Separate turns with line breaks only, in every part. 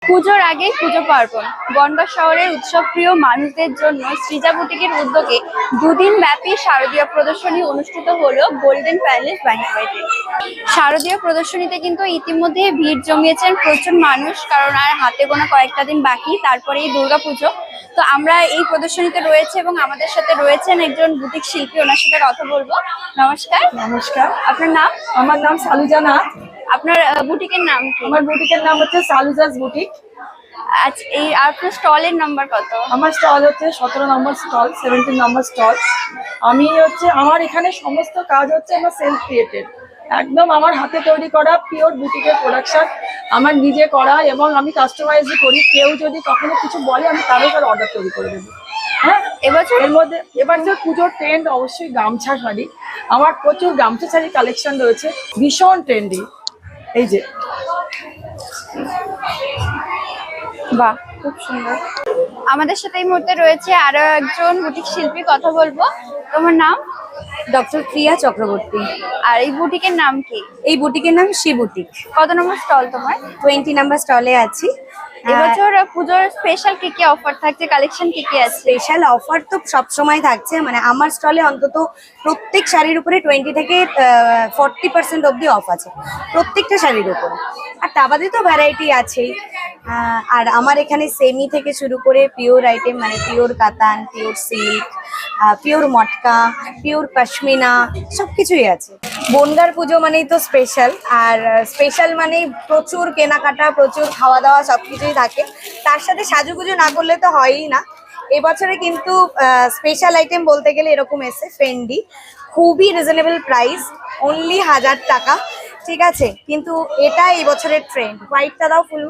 পুজোর আগে পুজো পার্বণ বনগাঁ শহরের উৎসবপ্রিয় মানুষদের জন্য সৃজা বুটিকের উদ্যোগে দুদিন ব্যাপী শারদীয় প্রদর্শনী অনুষ্ঠিত হলো গোল্ডেন প্যালেস ব্যাংকুয়েটে। শারদীয় প্রদর্শনীতে কিন্তু ইতিমধ্যে ভিড় জমিয়েছেন প্রচুর মানুষ, কারণ আর হাতে গোনা কয়েকটা দিন বাকি, তারপরেই দুর্গাপুজো। তো আমরা এই প্রদর্শনীতে রয়েছে এবং আমাদের সাথে রয়েছেন একজন বুটিক শিল্পী, ওনার সাথে কথা বলবো। নমস্কার।
নমস্কার।
আপনার নাম?
আমার নাম সালুজা নাথ।
আপনার বুটিকের নাম কি?
আমার বুটিকের নাম হচ্ছে সালুজাস বুটিক।
আচ্ছা, এই আপনার স্টলের নাম্বার কত?
আমার স্টল হচ্ছে 17 নম্বর স্টল, 17 নম্বর স্টল। আমার এখানে সমস্ত কাজ হচ্ছে আমার সেলফ ক্রিয়েটেড, একদম আমার হাতে তৈরি করা পিওর বুটিকের প্রোডাকশন, আমার নিজে করা, এবং আমি কাস্টমাইজই করি। কেউ যদি কখনো কিছু বলে আমি তারও তার অর্ডার তৈরি করে দেবো। হ্যাঁ, এর মধ্যে এবার যে পুজোর ট্রেন্ড অবশ্যই গামছা শাড়ি। আমার প্রচুর গামছা শাড়ি কালেকশন রয়েছে, ভীষণ ট্রেন্ডি। এই যে,
বাহ, খুব সুন্দর। আমাদের সাথে এই মুহূর্তে রয়েছে আরো একজন বুটিক শিল্পী, কথা বলবো। তোমার নাম?
ডক্টর প্রিয়া চক্রবর্তী।
আর এই বুটিকের নাম কি?
এই বুটিকের নাম শি বুটিক।
কত নম্বর স্টল তোমার?
20 নাম্বার স্টলে আছি।
এবছর পুজোর স্পেশাল কি কি অফার থাকছে, কালেকশন কি কি আছে?
স্পেশাল অফার তো সবসময় থাকছে, মানে আমার স্টলে অন্তত প্রত্যেক শাড়ির উপরে 20 থেকে 40% অবধি অফ আছে, প্রত্যেকটা শাড়ির উপরে। আর তা বাদে তো ভ্যারাইটি আছেই। আর আমার এখানে সেমি থেকে শুরু করে পিওর আইটেম, মানে পিওর কাতান, পিওর সিল্ক, পিওর মটকা, পিওর পশমিনা, সবকিছুই আছে। বনগাঁর পুজো মানেই তো স্পেশাল, আর স্পেশাল মানেই প্রচুর কেনাকাটা, প্রচুর খাওয়া দাওয়া, সবকিছুই থাকে। তার সাথে সাজুগুজু না করলে তো হয়ই না। এবছরে কিন্তু স্পেশাল আইটেম বলতে গেলে এরকম এসে ফেন্ডি, খুবই রিজনেবল প্রাইস, অনলি 1000 টাকা, ঠিক আছে। কিন্তু এটা এই বছরের ট্রেন্ড। হোয়াইটটা দাও ফুল,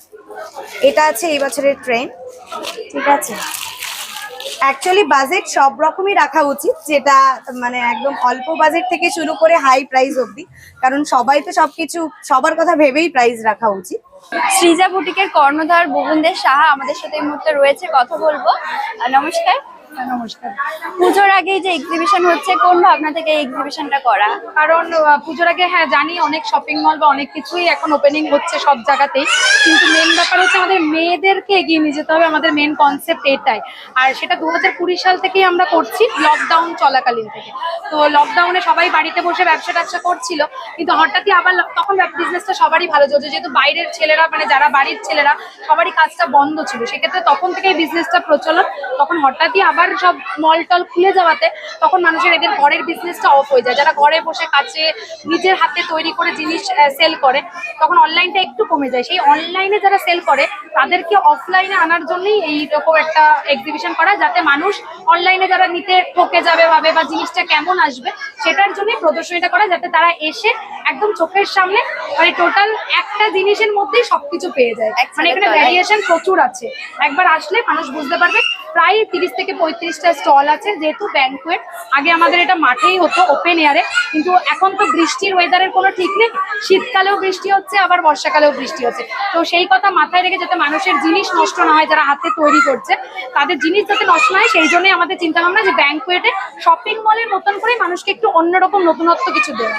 এটা আছে এই বছরের ট্রেন্ড, ঠিক আছে। অ্যাকচুয়ালি বাজেট সব রকমই রাখা উচিত, যেটা মানে একদম অল্প বাজেট থেকে শুরু করে হাই প্রাইস অবধি, কারণ সবাই তো সবকিছু সবার কথা ভেবেই প্রাইস রাখা উচিত।
সৃজা বুটিকের কর্ণধার ভুবনদেব সাহা আমাদের সাথে এই মুহূর্তে রয়েছে, কথা বলবো। নমস্কার।
নমস্কার।
পুজোর আগে যে এক্সিবিশন হচ্ছে, কোন ভাবনা থেকে এই এক্সিবিশনটা করা?
কারণ পুজোর আগে হ্যাঁ জানি অনেক শপিং মল বা অনেক কিছুই এখন ওপেনিং হচ্ছে সব জায়গাতেই, কিন্তু মেন ব্যাপার হচ্ছে আমাদের মেয়েদেরকে এগিয়ে নিয়ে যেতে হবে। আমাদের মেন কনসেপ্ট এটাই, আর সেটা 2020 সাল থেকেই আমরা করছি, লকডাউন চলাকালীন থেকে। তো লকডাউনে সবাই বাড়িতে বসে ব্যবসা ট্যাবসা করছিল, কিন্তু হঠাৎই আবার তখন বিজনেসটা সবারই ভালো চলছে, যেহেতু বাইরের ছেলেরা, মানে যারা বাড়ির ছেলেরা, সবারই কাজটা বন্ধ ছিল, সেক্ষেত্রে তখন থেকেই বিজনেসটা প্রচলন। তখন হঠাৎই আবার সব মল টল খুলে যাওয়াতে তখন মানুষের এদের ঘরের বিজনেসটা অফ হয়ে যায়। যারা ঘরে বসে কাছে নিজের হাতে তৈরি করে জিনিস সেল করে, তখন অনলাইনটা একটু কমে যায়। সেই অনলাইনে যারা সেল করে তাদেরকে অফলাইনে আনার জন্যই এইরকম একটা এক্সিবিশন করা, যাতে মানুষ অনলাইনে যারা নিতে ঠকে যাবে ভাবে বা জিনিসটা কেমন আসবে, সেটার জন্যই প্রদর্শনীটা করা, যাতে তারা এসে একদম চোখের সামনে মানে টোটাল একটা জিনিসের মধ্যেই সবকিছু পেয়ে যায়। মানে এখানে ভ্যারিয়েশন প্রচুর আছে, একবার আসলে মানুষ বুঝতে পারবে। প্রায় 30 থেকে 35টা স্টল আছে। যেহেতু ব্যাংকুয়েট, আগে আমাদের এটা মাঠেই হতো, ওপেন এয়ারে, কিন্তু এখন তো বৃষ্টির ওয়েদারের কোনো ঠিক নেই, শীতকালেও বৃষ্টি হচ্ছে, আবার বর্ষাকালেও বৃষ্টি হচ্ছে। তো সেই কথা মাথায় রেখে যাতে মানুষের জিনিস নষ্ট না হয়, যারা হাতে তৈরি করছে তাদের জিনিস যাতে নষ্ট না হয়, সেই জন্যই আমাদের চিন্তা ভাবনা যে ব্যাংকুয়েটে শপিং মলের মতন করে মানুষকে একটু অন্যরকম নতুনত্ব কিছু দেওয়া।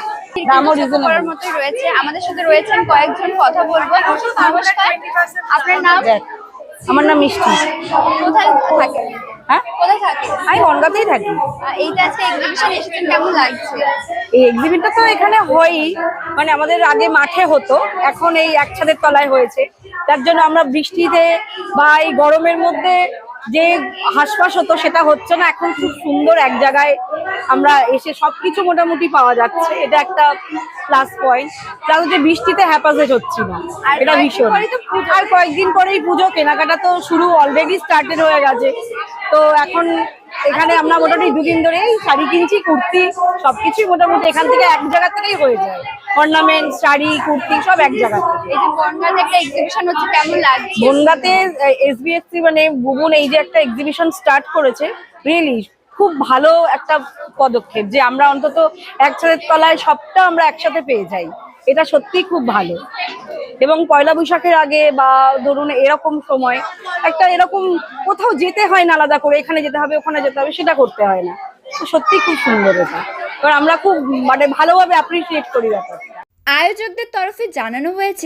করার মতোই রয়েছে। আমাদের সাথে রয়েছেন কয়েকজন, কথা বলবো। নমস্কার, আপনার নাম?
আমার নাম মিষ্টি।
কোথায় থাকেন?
হ্যাঁ,
কোথায় থাকেন?
আমি বনগাঁতেই থাকি।
এইটা আজকে এক্সিবিশন এসেছেন, কেমন লাগছে?
এই এক্সিবিশনটা তো এখানে হয়ই, মানে আমাদের আগে মাঠে হতো, এখন এই একসাথের তলায় হয়েছে। তার জন্য আমরা বৃষ্টিতে বা এই গরমের মধ্যে যে হাসপাস হতো সেটা হচ্ছে না, এখন খুব সুন্দর এক জায়গায় আমরা এসে সবকিছু মোটামুটি পাওয়া যাচ্ছে, এটা একটা প্লাস পয়েন্ট। প্লাস যে বৃষ্টিতে হ্যাপাসেজ হচ্ছে না, এটা ভীষণ। আর কয়েকদিন পরেই পুজো, কেনাকাটা তো শুরু অলরেডি স্টার্টেড হয়ে গেছে। তো এখন এখানে আমরা মোটামুটি দুদিন ধরেই শাড়ি কিনছি, কুর্তি, সবকিছুই মোটামুটি এখান থেকে এক জায়গা থেকেই হয়ে যায়। অর্নামেন্ট, শাড়ি, কুর্তি সব এক জায়গা থেকে।
এই যে বনগাঁতে একটা এক্সিবিশন হচ্ছে, কেমন লাগছে?
বনগাঁতে SBSC মানে ভুবন এই যে একটা এক্সিবিশন স্টার্ট করেছে, রিয়েলি খুব ভালো একটা পদক্ষেপ, যে আমরা অন্তত একসাথে তলায় সবটা আমরা একসাথে পেয়ে যাই, এটা সত্যি খুব ভালো। এবং পয়লা বৈশাখের আগে বা ধরুন এরকম সময় একটা এরকম কোথাও যেতে হয় না আলাদা করে, এখানে যেতে হবে ওখানে যেতে হবে, সেটা করতে হয় না। তো সত্যি খুব সুন্দর এটা, কারণ আমরা খুব মানে ভালোভাবে অ্যাপ্রিসিয়েট করি ব্যাপারটা।
আয়োজকদের তরফে জানানো হয়েছে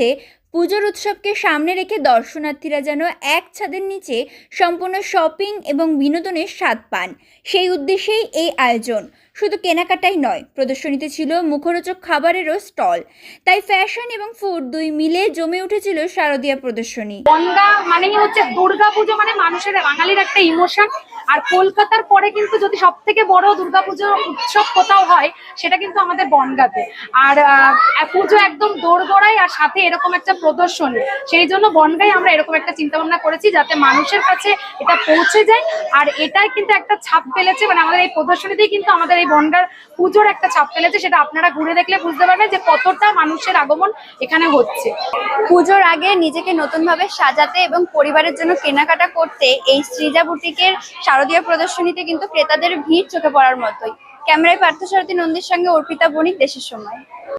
পুজোর উৎসবকে সামনে রেখে দর্শনার্থীরা যেন এক ছাদের নিচে সম্পূর্ণ শপিং এবং বিনোদনের স্বাদ পান, সেই উদ্দেশ্যেই এই আয়োজন। শুধু কেনাকাটাই নয়, প্রদর্শনীতে ছিল মুখরোচক খাবারেরও স্টল। তাই ফ্যাশন এবং ফুড দুই মিলে জমে উঠেছিল শারদীয়া প্রদর্শনী।
বনগা মানেই হচ্ছে দুর্গাপুজো, মানে মানুষের বাঙালির একটা ইমোশন। আর কলকাতার পরে কিন্তু যদি সব থেকে বড় দুর্গাপুজো উৎসব কোথাও হয় সেটা কিন্তু আমাদের বনগাঁতে। আর পুজো একদম দোরগোড়ায়, আর সাথে এরকম একটা প্রদর্শনী। সেই জন্য বনগাঁয় আমরা এরকম একটা চিন্তা ভাবনা করেছি যাতে মানুষের কাছে এটা পৌঁছে যায়। আর এটাই কিন্তু একটা ছাপ ফেলেছে, মানে আমাদের এই প্রদর্শনীতেই কিন্তু আমাদের এই বনগাঁর পুজোর একটা ছাপ ফেলেছে। সেটা আপনারা ঘুরে দেখলে বুঝতে পারবেন যে কতটা মানুষের আগমন এখানে হচ্ছে।
পুজোর আগে নিজেকে নতুনভাবে সাজাতে এবং পরিবারের জন্য কেনাকাটা করতে এই সৃজা বুটিকের শারদীয়া প্রদর্শনীতে কিন্তু ক্রেতাদের ভিড় চোখে পড়ার মতোই। ক্যামেরায় পার্থসারথী নন্দীর সঙ্গে অর্পিতা বণিক, দেশের সময়।